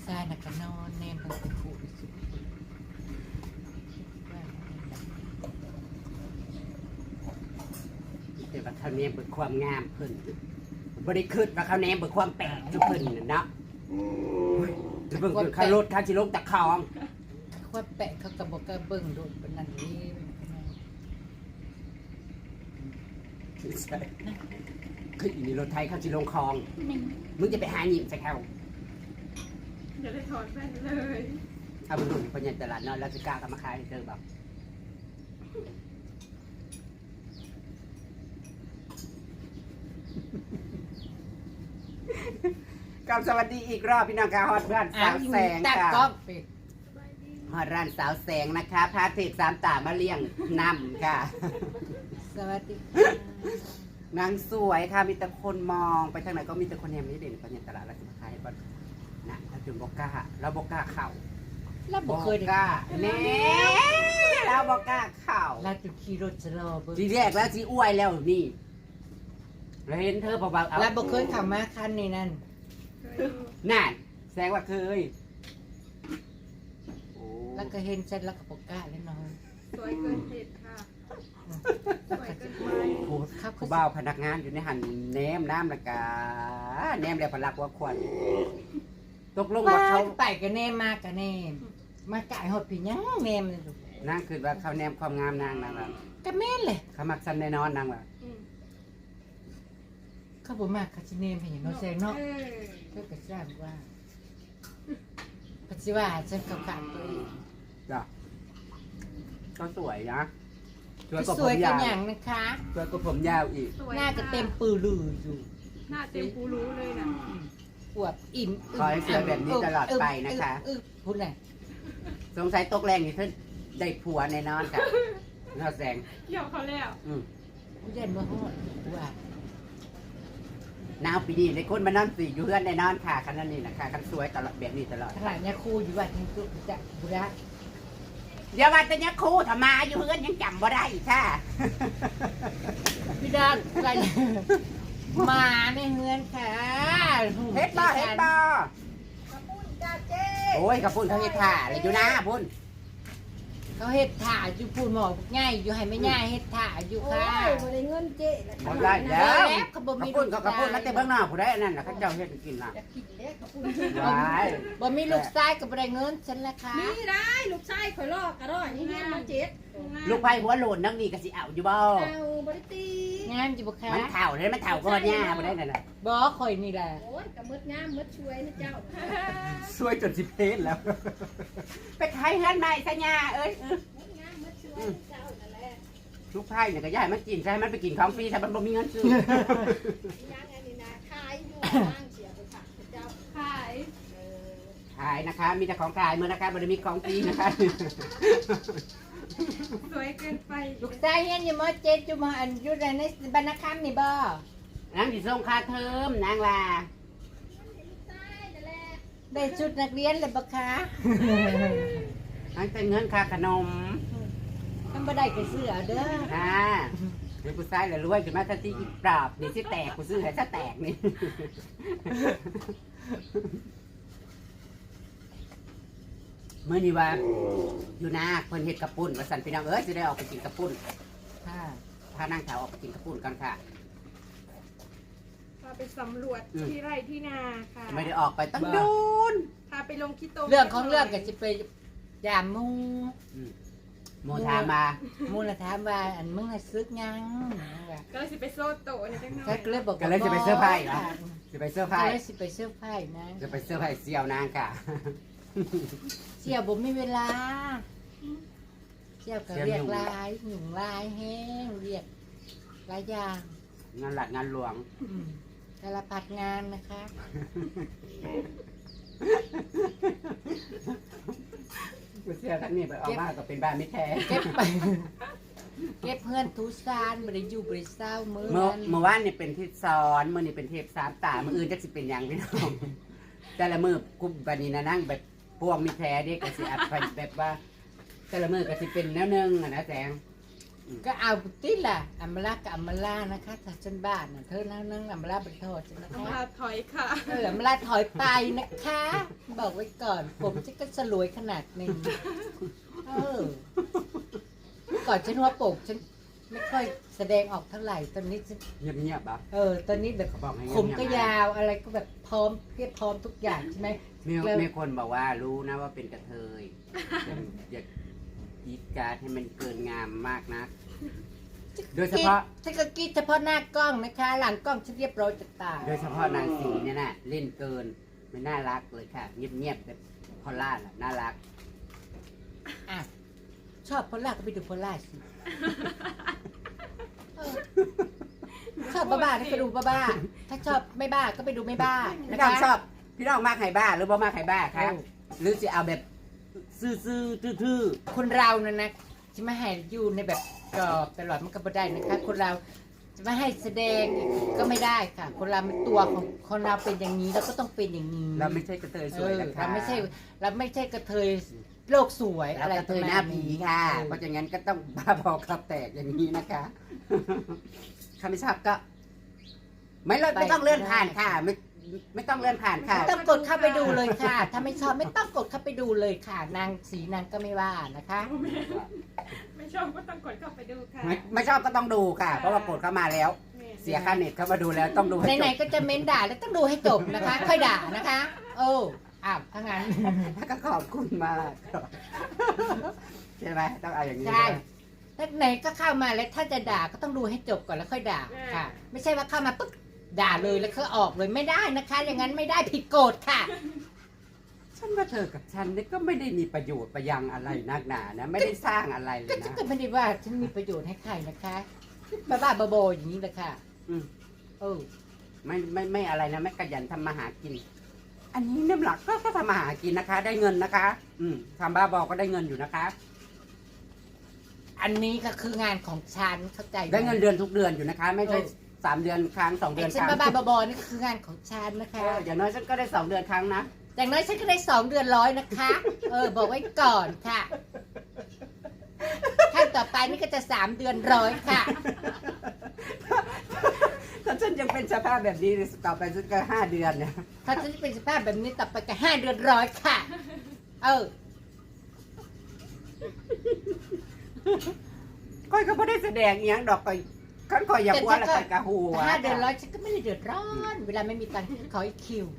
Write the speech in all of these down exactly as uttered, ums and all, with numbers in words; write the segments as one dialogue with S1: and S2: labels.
S1: ชายน่ะก็นอนแนมเป็นผู้สุด
S2: แต่ว่าเขาแนมเบิกความงามเพิ่นบริคืดว่าเขาแนมเบิกความแปลกจุเพิ่นน่ะเนาะจะเบิ่งคือเขารถเขาสิลงตะคอง
S1: ว่าแปะเขาก็บอกก็เบิ่งโดดเป็นนั่นนี่
S2: ใช่คืออีนี่รถไทยเขาสิลงคลองมึงจะไปหาหยิบใส่เขา
S3: อย่าได้ถอดแว่นเลย
S2: เอาไปรุ่นคนใหญ่ตลาดเนาะแล้วสิกล้าก็มาขายให้เจอแบบกับสวัสดีอีกรอบพี่น้องค่ะฮอดร้านสาวแสง
S1: ตัด
S2: ค่ะ
S1: กล้องปิด
S2: ฮอดร้านสาวแสงนะคะพาเทพสามตามาเลี้ยงนำค่ะ
S1: สวัสดี
S2: นางสวยค่ะมีแต่คนมองไปทางไหนก็มีแต่คนแฮมนี่เด่นคนใหญ่ตลาดแล้วสิมาขายให้ก่อนนะถ้าถึงบอกกล้าเราบอกกล้าเข่า
S1: แล้วบอกเคย
S2: กล้าแน่เราบอกกล้าเข่า
S1: เราจะขี่รถจะรอเบิ่ง
S2: ทีแรกแล้วทีอ้วยแล้วนี่เราเห็นเธอเบาๆเอา
S1: แล้วบอกเคยขับมาคันนี้นั่น
S3: เคยดู
S2: นั่นแสดงว่าเคยโอ้
S1: แล้วก็เห็นฉันแล้วก็บอกกล้าแล้วนอน
S3: สวยเกินเหตุค่ะสวยเกินไป
S2: โหเขาเบาพนักงานอยู่ในหันแนมน้ำละกาแนมแล้วพลักว่าควันตกลง
S1: ว่า
S2: ว่า
S1: เขา
S2: เขา
S1: ไปกันแน่มากกันแน่มาไก่หดผียังแม่มันลูก
S2: นั่งคือว่าเขาแนมความงามนางนางแบบ
S1: ก็แม่นเลย
S2: เขามักซ้ำแน่นอนนางแบบ
S3: อืม
S1: เขาบอกมากเขาจะเนมให้เห็นเนาะแซงเนาะ
S3: เออ
S1: เพื่อก็ทราบว่าปัจจุบันฉันกับขาดตัวเอง
S2: จ้ะก็สวยนะสวย
S1: ก็
S2: กว่า
S1: ส
S2: ผ
S1: วย
S2: ม
S1: กั
S2: ยาน ว
S1: อย่างนะคะ
S2: สวยกว่าผมยาวอีก
S3: สวย
S1: หน้าก็เต็มปือลืออยู่
S3: หน้าเต็มกูรู้เลยนะ
S1: ปวดอิ่ม
S2: ขอให้สวยแบบนี้ตลอดไปนะคะ
S1: อึ๊บพูดไหน
S2: สงสัยตกแรงนี่เธอได้ผัวแน่นอนค่ะน่าแสง
S3: เกี่ยวเขาแล้ว
S2: อืม
S1: ผู้ใหญ่เมื่อห้อว่า
S2: หนาวปีนี้ในคนมานอนสีอยู่เพื่อนแน่นอนค่ะคันนั้นนี่นะคะคันสวยตลอดแบบนี้ตลอด
S1: ขนาดเนี้ยครูอยู่ว่าจริงจุจะบุระ
S2: เดี๋ยวว่าแต่เนี้ยครูทำมาอยู่เพื่อนยังจำบ่ได้อีกค่ะ
S1: พี่ดาอะไรมาในเฮือนค่ะ
S2: เฮ็ดบ่เฮ็ดบ่โอ้ยกระปุ่นเขาเฮ็ดถ่าเลยอยู่นะพุ่น
S1: เขาเฮ็ดถ่าอยู่พูดหมอง่ายอยู่ให้ไม่ง่ายเฮ็ดถ่าอยู่ค่ะ
S4: บ่ได้เงินเจ๊นะ
S2: หมดได้แล้ว
S1: เขาบ่
S2: ก
S1: มี
S2: ระปุ่นก็กระปุ่นมาเต็มเบื้องหน้าผู้ใดอันนั้นน่ะเขาเจ้าเฮ็ดให้กินน่ะ
S4: จะกินเด้เขาพูด
S2: ว้าย
S1: บ่มีลูกชายก็บ่ได้เงินฉันละค่ะ
S4: นี่ได้ลูกชายข่อยลอกกระรอยนี่เฮียนมาเจ็ด
S2: ลูกไผ่หัวโหลนนังนี่ก็สิเอาอยู่บ่
S4: เอาบ่ได้ตี
S1: งามอยู่บ่คะ
S2: มันเฒ่าเลยมันเฒ่าก็ว่าหญ้าบ่ได้นั่นน่ะ
S1: บ่ข่อยนี่แหละ
S4: โอ้ยกะมืดงามมืดช่วยนะเจ้า
S2: สวยจนสิเพศแล้ว ไปขายเฮือนใหม่ซะหญ้าเอ้ยเออ
S4: มืดงามมืดช่วยเจ้านั่นแหละ
S2: ลูกไผ่เนี่ยก็อย่าให้มันกินใช่มันไปกินของฟรีถ้ามันบ่มีเงินซื้อ
S4: ยังอันนี้นะขายอยู่บ้างเสียไปฝากเจ้า
S3: ขาย
S4: เออ
S2: ขายนะคะ มีแต่ของขายมือนะคะบ่ได้มีของฟรีนะคะ
S3: สวยเกินไป
S1: ลูกชายเฮียนอยู่มเจ็ดอยู่มอันอยู่ในบรรณคำนี่บ่
S2: นางสิส่งค่าเทอมนางว่า
S4: ลูกชายนั่นแหละ
S1: ได้ชุดนักเรียนเลยบ่คะ
S2: นางแต่เงินค่าขนม
S1: มันบ่ได้ก็ซื้อเอาเด้อ
S2: อ่าเดี๋ยวกูซ้ายเลยรวยขึ้นมาทันทีอีปราบนี่สิแตกกูซื้อให้ซะแตกนี่ เมื่อนี้ว่าอยู่นาเพิ่นเฮ็ดกระปุ่นว่าสั่นพี่น้องเอ้ยสิได้ออกไปกินกระปุ่น
S1: ค่ะ
S2: พานั่งแถวออกไปกินกระปุ่นกันค่ะ
S3: พาไปสำรวจ
S2: อืม
S3: ที่ไร่ที่นาค่ะ
S2: ไม่ได้ออกไปตั้งดูน
S3: พาไปลงคิโต
S1: เรื่องของเรื่องก็สิไปยามหมู
S2: โมถามมา
S1: หมูน่ะถามว่าอันมึงน่ะซึกยังว่า
S3: ก็เลยสิไปโซ่โตะนี่จังหน่อ
S1: ก็
S3: ย
S1: เลยบอก
S2: ก็เลยจะไปเสื้อร์ไผ่เหรอจะไปเสื้อร์
S1: ก็
S2: ไผ่
S1: เลยสิไปเสื้อร์ไผ่นะ
S2: จะไปเสื้อร์ไผ่เสี่ยวนางค่ะ
S1: เสี่ยวบ่มีเวลาเสี่ยวก็เรียกหลายหยุ่งหลายแห้งเรียกหลายอย่าง
S2: งานหลักงานหลวง
S1: อืมสารพัดงานนะคะ
S2: กูเสื้อท่านนี่ไปออกมาก็เป็นบ้านไม่แท้
S1: เก็บไป เก็บเพื่อนทุสานบริยูบริเศร้ามือ
S2: เมื่อ
S1: นั้น
S2: เมื่อวานนี่เป็นทิศซ้อนเมื่อนี่เป็นเทปสามตาเมื่ออื่นจะสิเป็นอย่างพี่น้องแต่ละมือกุบบันนี้นะนั่งแบบพวงมีแท้เด็กก็สิอัดไปแบบว่า แต่ละมือก็สิเป็นแนวหนึงอะนะแสง
S1: ก็เอาติดล่ะอัมมาลากับอัมมาลานะคะถ้าฉันบ้านน่ะเธอนั่งนั่งอัมมาลาเป็นโทษฉันนะ
S3: เอา
S1: คะ
S3: มาถอยค่ะ
S1: เอออัมมาลาถอยไปนะคะบอกไว้ก่อน ผมฉันก็สลวยขนาดหนึ่งเออเมื่อก่อนฉันว่าโปกฉันไม่ค่อยแสดงออกเท่าไหร่ตอนนี้ฉัน
S2: เงียบๆอ่ะ
S1: เออ ตอนนี้แบบ
S2: เขาบอกให้เงียบๆ
S1: ผมก็ยาวอะไรก็แบบพร้อมเพียบพร้อมทุกอย่างใช่ไหม
S2: มี
S1: แล้ว
S2: มีคนบอกว่ารู้นะว่าเป็นกระเทยอย่ากีดการให้มันเกินงามมากนะ โดยเฉพาะ
S1: ฉันก็กรีดเฉพาะหน้ากล้องนะคะ หลังกล้องฉันเรียบร้อยจะตาย
S2: โดยเฉพาะนางสีเนี่ยนะเล่นเกินไม่น่ารักเลยค่ะ เงียบๆแบบพอลล่าน่ะน่ารัก
S1: อ่ะชอบโพล่าก็ไปดูโพล่าสิเออชอบบ้าๆก็ไปดูบ้าๆถ้าชอบไม่บ้าก็ไปดูไม่บ้า
S2: พี่
S1: นะ
S2: น้อง
S1: คะ
S2: ชอบพี่น้องมากไข่บ้าหรือบ่มากไข่บ้าครับ
S1: เออ
S2: หรือจะเอาแบบซื่อๆทื่อ
S1: คนเราเนี่ยนะจะไม่ให้อยู่ในแบบกรอบตลอดมันก็ไม่ได้นะคะ คนเราจะไม่ให้แสดงก็ไม่ได้ค่ะ คนเราเป็นตัวของคนเราเป็นอย่างนี้เราก็ต้องเป็นอย่างนี้
S2: ๆเราไม่ใช่กระเทยสวยนะคะ
S1: เราไม่ใช่เราไม่ใช่กระเทยโลกสวย
S2: เรา
S1: อะไร
S2: กระเทยหน้าผีค่ะ
S1: เออ
S2: เพราะฉะนั้นก็ต้องบ้าบอครับแตกอย่างนี้นะคะใครไม่ชอบก็ ไม่เลยไม่ต้องเลื่อนผ่านค่ะ ไม่ไม่ต้องเลื่อนผ่านค่ะ
S1: ไม่ต้องกดเข้าไปดูเลยค่ะ ถ้าไม่ชอบไม่ต้องกดเข้าไปดูเลยค่ะ นางสีนางก็ไม่ว่านะคะ
S3: ไม่ชอบก็ต้องกดเข้าไปดูค่ะ
S2: ไม่ไม่ชอบก็ต้องดูค่ะ เพราะว่ากดเข้ามาแล้ว เสียค่าเน็ตเข้ามาดูแล้วต้องดูให้จ
S1: ไหน
S2: บ
S1: ๆก็จะเม้นด่าแล้วต้องดูให้จบนะคะ ค่อยด่านะคะโอ้อ้าวถ้างั้น
S2: แล้วก็ขอบคุณมากใช่ไหมต้องเอาอย่างนี้
S1: ใช่ถ้าไหนก็เข้ามาแล้วถ้าจะด่าก็ต้องดูให้จบก่อนแล้วค่อยด่าค่ะ ไม่ใช่ว่าเข้ามาปุ๊บด่าเลยแล้วก็ออกเลยไม่ได้นะคะ อย่างนั้นไม่ได้ผิดกฎค่ะ
S2: ฉันว่าเธอกับฉันนี่ก็ไม่ได้มีประโยชน์ประยังอะไรนักหนานะ ไม่ได้สร้างอะไรเล
S1: ก็
S2: ย
S1: ฉัน
S2: นะ
S1: ก็ไม่ได้ว่าฉันมีประโยชน์ให้ใครนะคะบ้าๆบอๆอย่างนี้แหละค่ะ
S2: อืม
S1: เออ
S2: ไม่ไม่ไม่อะไรนะไม่ขยันทำมาหากิน อันนี้น้ำหลักก็ก็ทำมาหากินนะคะ ได้เงินนะคะ อืมทำบ้าบอก็ได้เงินอยู่นะคะ
S1: อันนี้ก็คืองานของฉันเข้าใจหม
S2: ได้เงินเดือนทุกเดือนอยู่นะคะ ไม่ใช่
S1: เออ
S2: สามเดือนครั้งสองเดื
S1: ไอ้
S2: อน
S1: ฉั
S2: คน รั้ง
S1: บ้าๆบอๆนี่คืองานของฉันนะคะ
S2: เอออย่างน้อยฉันก็ได้สองเดือนครั้งนะ
S1: อย่างน้อยฉันก็ได้สองเดือนร้อยนะคะ เออ บอกไว้ก่อนค่ะขั้นต่อไปนี่ก็จะสามเดือนร้อยค่ะ
S2: ถ้าฉันยังเป็นสภาพแบบนี้ต่อไปฉันก็ห้าเดือนเนี่ย
S1: ถ้าฉันจะเป็นสภาพแบบนี้ต่อไปก็ห้าเดือนร้อยค่ะ เออ
S2: ก้อยก็ไม่ได้แสดงอหย่างดอกก้อยขั้นก้อยอย่าพัวแล้วก้อยกะหัว
S1: ห้าเดือนร้อยฉันก็ไม่ได้เดือดร้อน เวลาไม่มีตังค์ขออีกคิว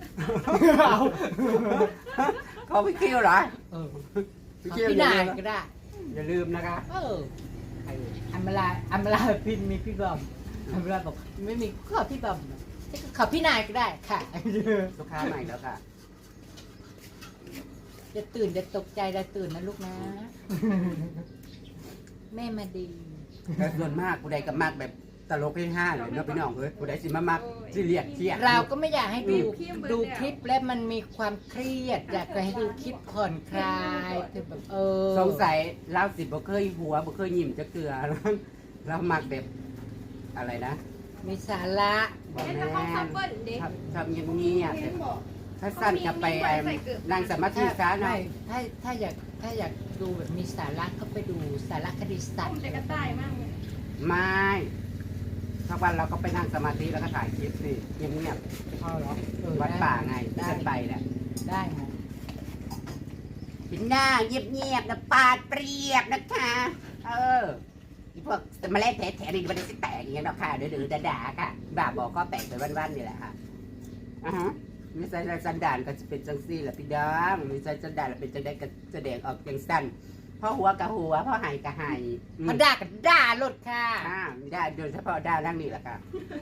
S2: เขาไม่คิวเหรอ
S1: เออขอ
S2: คิว
S1: พี่
S2: อย่าน
S1: าย
S2: ลืม
S1: ก็ได้
S2: อย่าลืมนะคะ
S1: เอออัมมาลาอัมมาลาพินมีพี่บอมอัมมาลาบอกไม่มีขอพี่บอมฉันก็ขอพี่นายก็ได้ค่ะ
S2: ลูกค้าใหม่แล้วค่ะ
S1: จะตื่นจะตกใจจะตื่นนะลูกนะ แม่มาดี
S2: แต่ส่วนมากกูได้กับมากแบบตลกให้ห้าเลยเนาะพี่น้องเอ้ยกูได้สิมามากที่เรียกเครียด
S1: เราก็ไม่อยากให้ดูดูคลิปแล้วมันมีความเครียด อยากจะให้ดูคลิปผ่อนคลายคือแบบเออ
S2: สงสัยเราสิบ่เคยหัวบ่เคยยิ้มจะเกลือ เรามักแบบอะไรนะ
S1: มีสาระ
S2: บ่
S3: เอ๊ะ
S2: แม่
S3: แต่ของซัมเปิลเด็ก
S2: ชอบชอบเงียบ
S4: เห็นบอก
S2: ๆถ้าสั้นจะไปไอ้นั่งสมาธิ
S1: ถ้า
S2: ซะหน่
S1: ไม่
S2: อย
S1: ถ้าถ้าอยากถ้าอยากดูแบบมีสาระก็ไปดูสารคดีสัต
S3: ผม
S1: ว์
S3: จะกระต่ายมากเลย
S2: ไม่ทุกวันเราก็ไปนั่งสมาธิแล้วก็ถ่ายคลิปสิเงียบ
S1: พอเหรอเออ
S2: ๆวัดป่าไงที่ฉันไปแหละ
S1: ได้ไหม
S2: เป็นหน้าเงียบๆนะปาดเปรียบนะคะ เอออีพวกแมาเล่นแถๆนี่มันจะแตกอย่างเงี้ยหรอกค่ะเดือดๆด่าๆค่ะบ่าบอกก็แตกไปวันๆนี่แหละค่ะอ่าฮะมีใส่สันดานก็จะเป็นจังซี่แหละพี่ดองมีใส่สันดานแล้วเป็นจังได้ก็แสดงออกจังสั้นเพราะหัวกับหัวเพราะหายกับหายอืม
S1: เขาด่ากันด่าหลุดค่ะ
S2: อ่าได้โดยเฉพาะด้านั่งนี่แหละค่ะ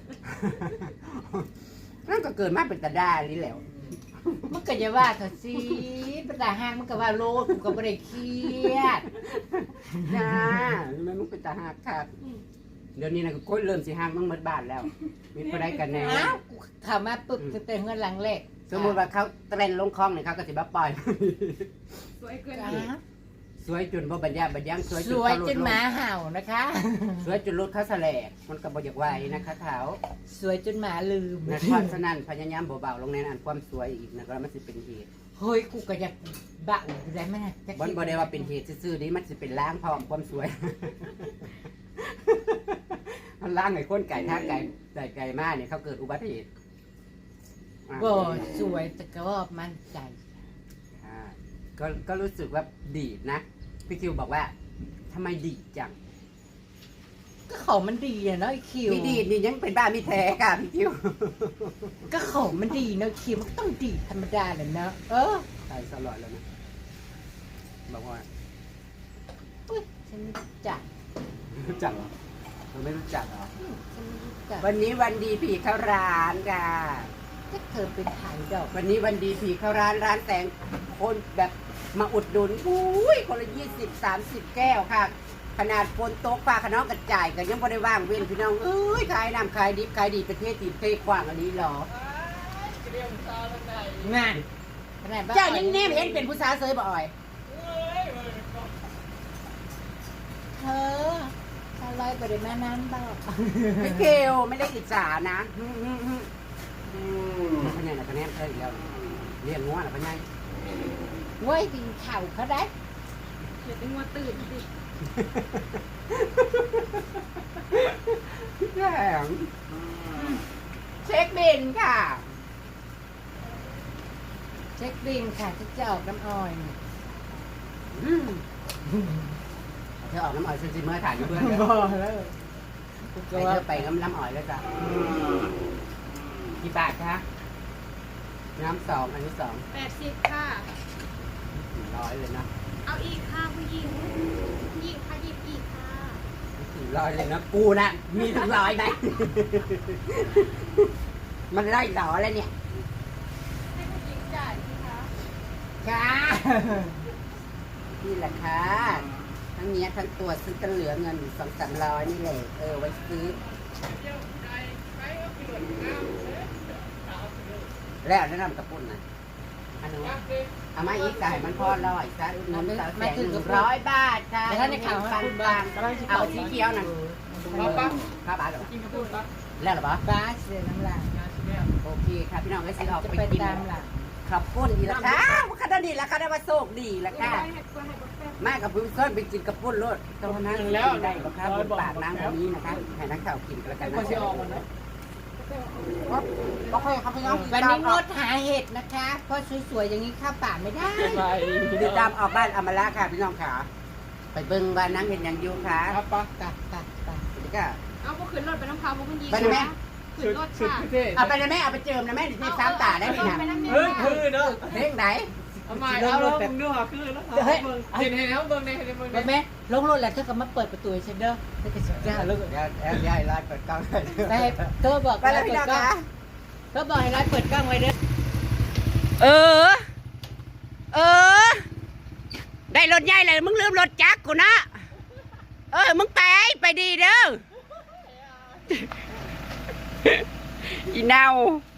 S2: นั่นก็เกิดมาเป็นตาด้านี่แหล้ว
S1: มันก็จะว่าเขาสิเป็นตาห้างมันก็ว่าโลดกูก็ไม่ได้เครียด
S2: จ้าทำไมมึงเป็นตาหักครับเดี๋ยวนี้นะก็โคตรเริ่มสิหักมึงหมดบ้านแล้ว มีผู้ใดกันแน่
S1: อ้าวกูเข้ามาปุ๊บตั้งแต่เงินหลังแรก
S2: สมมติว่าเขาเต้นลงคลองเนี่ยเขาก็สิมาปล่อย
S3: สวยเกิน
S1: อ่า
S3: เหตุ
S2: สวยจนบ่บรรยาบรรยังสวย
S1: ส
S2: จน
S1: วย
S2: เขาหลุ
S1: จ
S2: ด
S1: น
S2: ล
S1: ห
S2: ง
S1: มาเห่านะคะ
S2: สวยจนรถเขาแสลกมันก็บ่อยากไหวนะคะเขา
S1: สวยจนหมาลืม
S2: นะเพราะฉะนั้นพยายามเบาๆลงในอันความสวยอีกนะก็มันสิเป็นเหตุ
S1: เฮ้ยกูก็อยากบะอยู่ได้ไหมนะจะ
S2: บนบ่ได้ว่าเป็นเหตุซื่อๆนี้มันสิเป็นล้างพร้อมความสวย มันล้างไอ้คนไก่ท่าไก่ไก่ไก่มากเนี่ยเขาเกิดอุบัติเหตุ
S1: บ่สวยแต่ก็ว่ามั่นใจ
S2: อ่าก็ก็รู้สึกว่าดีดนะพี่คิวบอกว่าทำไมดีดจัง
S1: ก็ของมันดีอะเนาะไอคิว
S2: พี่ดีดนี่ยังเป็นบ้ามีแท้ค่ะพี่คิว
S1: ก็ของมันดีเนาะคิวมันก็ต้องดีธรรมดาแหละเนาะเออ
S2: ตายสลอดแล้วนะบอกว่า
S1: อุ๊ยฉันไม่รู้จัก
S2: รู้จักเหรอเราไม่รู้จักเหรอ
S1: อืมฉันไม่รู้จัก
S2: วันนี้วันดีผีเข้าร้านค่ะ
S1: ถ้าเธอเป็นไทยดอก
S2: วันนี้วันดีผีเข้าร้านร้านแสงคนแบบมาอุดหนุนอุ้ยคนละยี่สิบสามสิบแก้วค่ะ ขนาดฝนตกฟ้าขนองกระจายกันยังไม่ได้ว่างเว้นพี่น้องเอ้ยขายน้ำขายดิบขายดีประเทศตีเทกว้างอันนี้เหรอ
S1: งานขนาดบ้
S2: เจ้ายังแนมเห็นเป็นผู้สาวเซยบ่อย
S1: เธอถ้าลอยไปได้แม่น้ำบอก
S2: ไม่เกลไม่ได้อิจฉานะอืมอืมอืมอืมพญานาคแนมเธออีกแล้วเรียกง้อนะพญา
S1: เว้ยดินเข่าเขาได้
S3: เดี๋ยวเป็นงัวตื่นดิ
S2: แข็งเช็คบินค่ะ
S1: เช็คบินค่ะที่จะออกน้ำอ้อย
S2: อืมเธอออกน้ำอ่อยเซนซิเมอร์ถ่ายอยู่เพื่อนเด้อ
S1: บอกแล้ว
S2: ให้เธอไปน้ำน้ำอ่อยแล้วจ้ะกี่บาทคะน้ำสองอันนี้สอง
S3: แปดสิบค่ะ
S2: สี่ร้อยเลยนะ
S3: เอาอีกค่ะผู้หญิงผู้หญิงค่ะหยิบอีกค่ะ
S2: สี่ร้อยเลยนะกูนะมีถึงร้อยไหม มันไล่ต่อแล้วเนี่ย
S3: ให้ผู้หญิงจ่ายสิคะ
S2: ค่ะนี่แหละค่ะทั้งเนี้ยทั้งตัวซื้อกันเหลือเงินสองสามร้อยนี่แหละเออไว้ซื้อ แล้วแนะนำกระปุ่นนะอันนู้นเอามาอีกจ่ายมันพอร้อยจ้าอุดหนุนสาวแสงหนึ่งร้อยบาทค่ะ
S1: แต่ถ้าในข่าว
S2: ปั
S1: มัน
S2: น
S1: พูด
S2: ปั
S1: บ้าง
S2: งเอาสีเขียวน่ะ
S1: เอาปะ
S2: ครับบาทเหรอ
S3: กินกระปุกปะ
S2: แล้วเหรอปะ
S1: บ้าเสียน้ำลาย
S2: โอเคค่ะพี่น้องก็สิออก
S1: จะ
S2: ไป
S1: ไป
S2: กิน
S1: ตามหลัง
S2: ขับปุ้นดีละค่ะคณะดีละค่ะได้มาโชคดีละ
S3: ได้
S2: ค่ะ
S3: ให้กล้วยให้กาแฟ
S2: มากับพึ่งส้นไปกินกระปุ้นรถตรงนั้นแล้วได้หรอครับบนปากน้ำแบบนี้นะคะให้นักข่าวกินกันแล้วกันนะก็ค่อยครับพี่น้อง
S1: วันนี้งดหาเห็ดนะคะ เพราะสวยๆอย่างนี้เข้าป่าไม่ได้
S2: ติดตามออกบ้านอมราค่ะพี่น้องค่ะไปเบิ่งบ้านนังเห็นอย่างอยู่ค่ะ
S1: ครับปะตัดตัดตัด
S2: นี่ก็
S3: เอาพวกขึ้นรถไปน้ำพาวพวกคุณยิง
S2: ไปไหม
S3: ขึ้นรถค่ะ
S2: เอาไปเลยแม่เอาไปเจิมนะแม่ดิเทพสามตาได้ไหมนะ
S3: ไปน้ำเมีย
S5: เฮ้ยคือเนาะ
S2: เร่งไหน
S5: เอาใหม่เอาลงเนื้อคือแล้วเฮ้ยเห็นเห็นแล้วเบิ่งในเห็นเบิ่งใน
S1: แม่ลงรถแล้วเธอก็มาเปิดประตูให้ฉันเด้อเธอก็สุดยอดเลย
S2: เดี๋ยวเดี๋ยวเดี๋ยวให้ร้านเปิดกล้องเลย
S1: ไปเธอบอก
S2: ไปแล้วพี่น้องค่ะ
S1: เธอบอกให้ร้านเปิดกล้องไว้เด้อ
S2: เออ เออ ได้รถใหญ่เลยมึงลืมรถจักรกูนะเออมึงไปไปดีเด้ออีเนา